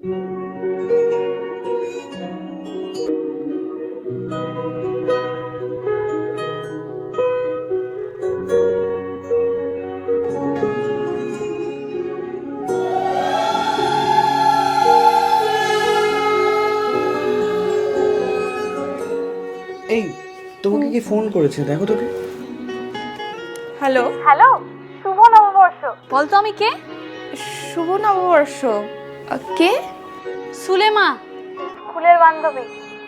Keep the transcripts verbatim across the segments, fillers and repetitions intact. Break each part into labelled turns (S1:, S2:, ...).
S1: এই তোমাকে কি ফোন করেছে? দেখো তোকে।
S2: হ্যালো
S3: হ্যালো, শুভ নববর্ষ।
S2: বলতো আমি কে? শুভ নববর্ষ। আহ, কে?
S3: সুলেমা, স্কুলের বান্ধবী।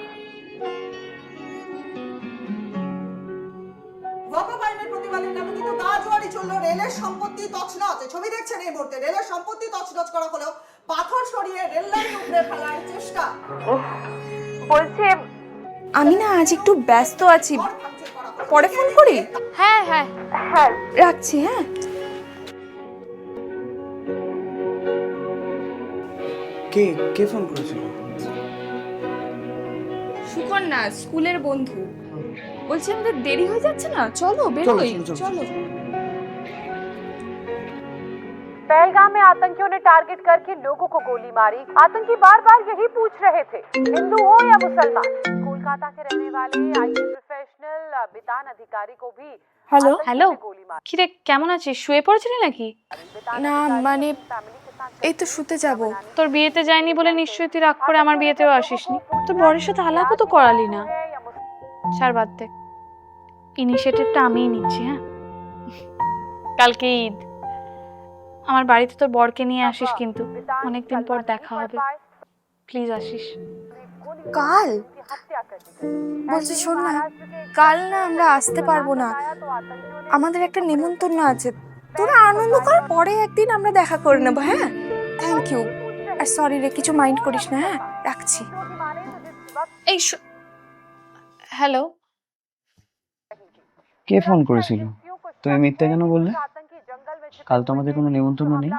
S4: গতবারের প্রতিবাদের নামে কিন্তু গাজোয়ারি চললো, রেলের সম্পত্তি তছনছ। ছবি দেখছেন এই মুহূর্তে, রেলের সম্পত্তি তছনছ করা হলো, পাথর সরিয়ে রেল লাইন উপড়ে ফেলার চেষ্টা।
S3: বলছি,
S2: আমি না আজ একটু ব্যস্ত আছি, পরে ফোন করি।
S3: হ্যাঁ হ্যাঁ হ্যাঁ
S2: রাখছি। হ্যাঁ,
S1: কে কে ফোন করেছিল?
S2: সুকন্যা, স্কুলের বন্ধু। বলছি আমাদের দেরি হয়ে যাচ্ছে না, চলো বেরোই।
S1: চলো, চলো,
S2: চলো।
S3: पहलगाम में आतंकियों ने टारगेट करके लोगों को गोली मारी। आतंकी बार बार यही पूछ रहे थे, हिंदू हो या मुसलमान। कोलकाता के रहने वाले आईटी प्रोफेशनल बितान अधिकारी को भी
S2: হ্যালো
S3: হ্যালো गोली मारी।
S5: কিরে কেমন আছিস? শুয়ে পড়েছিলি নাকি?
S2: না মানে এই তো শুতে যাব।
S5: তোর বিয়েতে যাইনি বলে নিশ্চয়ই তুই রাগ করে আমার বিয়েতেও আসিসনি। তোর বরের সাথে আলাপও তো করালি না। ছাড়, বাদ দে। ইনিশিয়েটিভটা আমিই নিচ্ছি। হ্যাঁ, কালকে ঈদ, আমার বাড়িতে তোর বরকে নিয়ে আসিস কিন্তু। অনেকদিন পর দেখা হবে, প্লিজ আসিস।
S2: কাল? বলছি শোন না, কাল না আমরা আসতে পারবো না, আমাদের একটা নেমন্তন্ন আছে। তোরা আনন্দ কর, পরে একদিন আমরা দেখা করে নেবো। হ্যাঁ, থ্যাংক ইউ। আর সরি রে, কিছু মাইন্ড করিস না। হ্যাঁ, রাখছি।
S5: এই হ্যালো,
S1: কে ফোন করেছিল? তুমি মিথ্যা কেন বললে? কাল তো আমাদের কোনো নিমন্ত্রণ নেই।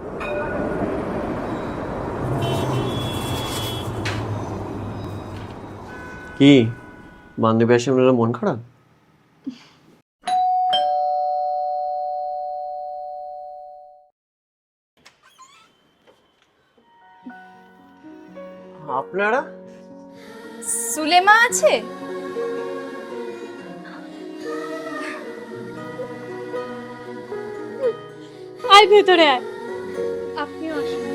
S6: কি বান্ধবী আসে মন খারাপ? আপনারা?
S2: সুলেমা আছে?
S5: আয় ভেতরে আয়। আপনিও আসুন।